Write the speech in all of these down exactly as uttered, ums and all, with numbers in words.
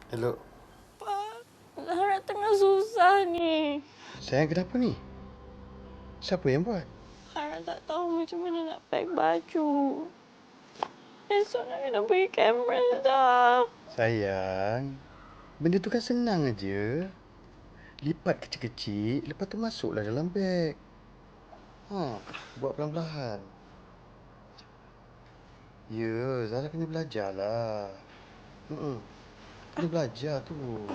Hello. Pak, Zahra tengah susah ni. Sayang, kenapa ni? Siapa yang buat? Zahra tak tahu macam mana nak pack baju. Esok nak kena pergi kamera dah. Sayang, benda tu kan senang aja. Lipat kecil-kecil, lepas tu masuklah dalam beg. Ha, buat perlahan-lahan. Ya, Zara kena belajarlah. Hmm, kena belajar tu.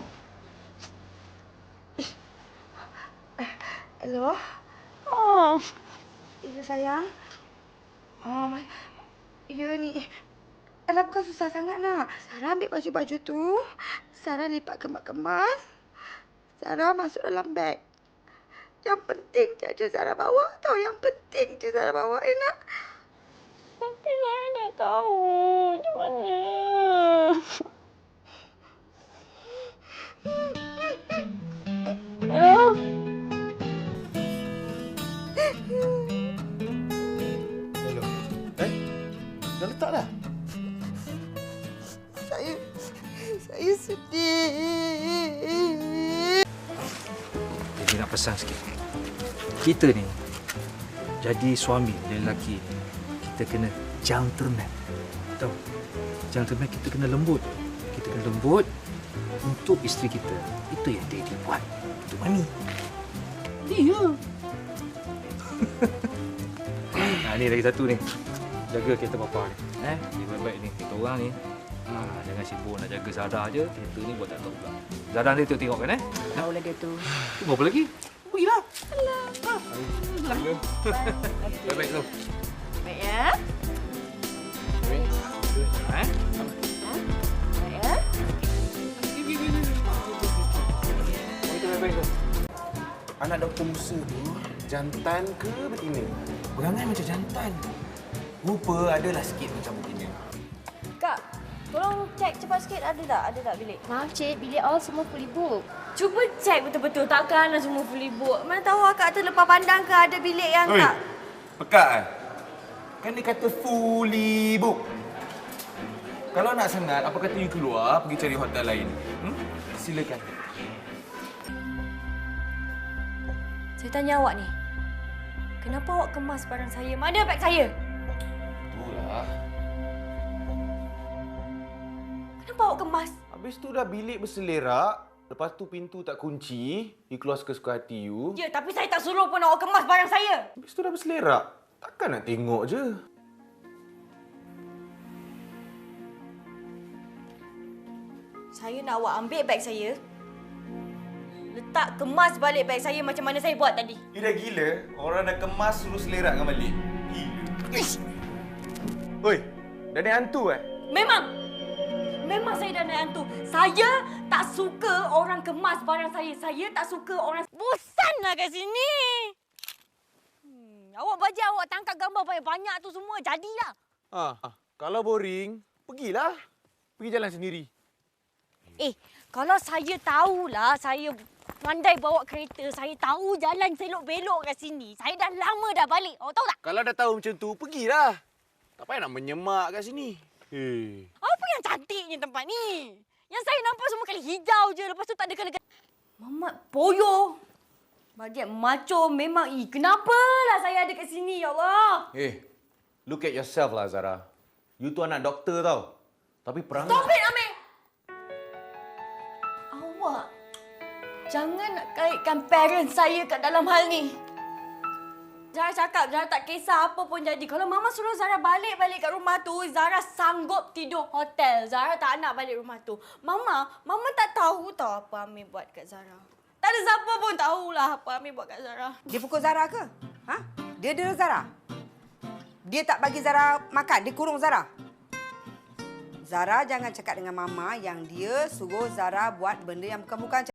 Hello? Oh, Ya, sayang. Oh, ya ni. Alah, bukan susah sangat nak. Sarah ambil baju-baju tu. Sarah lipat kemas-kemas. Sarah masuk dalam beg. Yang penting je Sarah bawa tau. Yang penting je Sarah bawa, eh nak? tapi Zahra tak tahu macam mana. Hello? Hello. Eh? Dah letak dah? Saya... Saya sedih. Jadi nak pesan sikit. Kita ni jadi suami dan lelaki ni, kita kena gentleman. Tahu? Gentleman kita kena lembut. Kita kena lembut untuk isteri kita. Itu yang daddy buat. Itu mami. Iya. Nah, ni lagi satu ni. Jaga kereta papa ni. Eh, dia baik-baik ni. Kita orang ni. Ha, jangan sibuk nak jaga Zara je. Kereta ni buat tak tahu pula. Zara nanti tengok kan eh? Tahulah dia tu. Tu berapa lagi? Pergilah. Alah. Ha. Baik-baik tu. Baik ya? Baik. Eh? Baik ya? Baik-baik tu. Anak Doktor Musa tu jantan ke betina? Berangai macam jantan. Rupa adalah sikit macam betina. Kak, tolong cek cepat sikit ada tak? Ada tak bilik? Maaf cik, bilik all semua fully book. Cuba cek betul-betul. Takkanlah semua fully book. Mana tahu akak terlepas pandang ke ada bilik yang Oi, tak. pekat kan? Kan dia kata fully book. Kalau nak sangat, apa kata you keluar pergi cari hotel lain? Hmm? Silakan. Saya tanya awak ni. Kenapa awak kemas barang saya? Mana beg saya? Itulah. Kenapa awak kemas? Habis tu dah bilik berselerak. Lepas tu pintu tak kunci. You keluar suka-suka hati you. Ya, tapi saya tak suruh pun awak kemas barang saya. Habis tu dah berselerak. Takkan nak tengok je. Saya nak awak ambil beg saya. Letak kemas balik beg saya macam mana saya buat tadi. You dah gila? Orang dah kemas suruh selerakkan balik. Gila. Ish. Oi, dah naik hantu eh? Memang. Memang saya dah naik hantu. Saya tak suka orang kemas barang saya. Saya tak suka orang... Bosanlah kat sini. Hmm, awak baca awak tangkap gambar banyak-banyak tu semua. Jadilah. Ah, ah, kalau boring, pergilah. Pergi jalan sendiri. Eh, kalau saya tahulah saya pandai bawa kereta, saya tahu jalan selok-belok kat sini. Saya dah lama dah balik. Awak tahu tak? Kalau dah tahu macam tu, pergilah. Tak payah nak menyemak kat sini. Hei. Apa yang cantiknya tempat ni? Yang saya nampak semua kali hijau je. Lepas tu tak ada kena... Mamat Poyo. Bagian macho memang... Ih, kenapalah saya ada kat sini, ya Allah? Eh, look at yourself lah, Zara. You tu anak doktor tau. Tapi perangai... Stop it, Amir! Awak jangan nak kaitkan parents saya kat dalam hal ni. Zara cakap Zara tak kisah apa pun jadi. Kalau Mama suruh Zara balik-balik kat rumah tu, Zara sanggup tidur hotel. Zara tak nak balik rumah tu. Mama, Mama tak tahu tau apa Amir buat kat Zara. Tak ada siapa pun tahulah apa Amir buat kat Zara. Dia pukul Zara ke? Ha? Dia dera Zara? Dia tak bagi Zara makan? Dia kurung Zara? Zara jangan cakap dengan Mama yang dia suruh Zara buat benda yang bukan-bukan.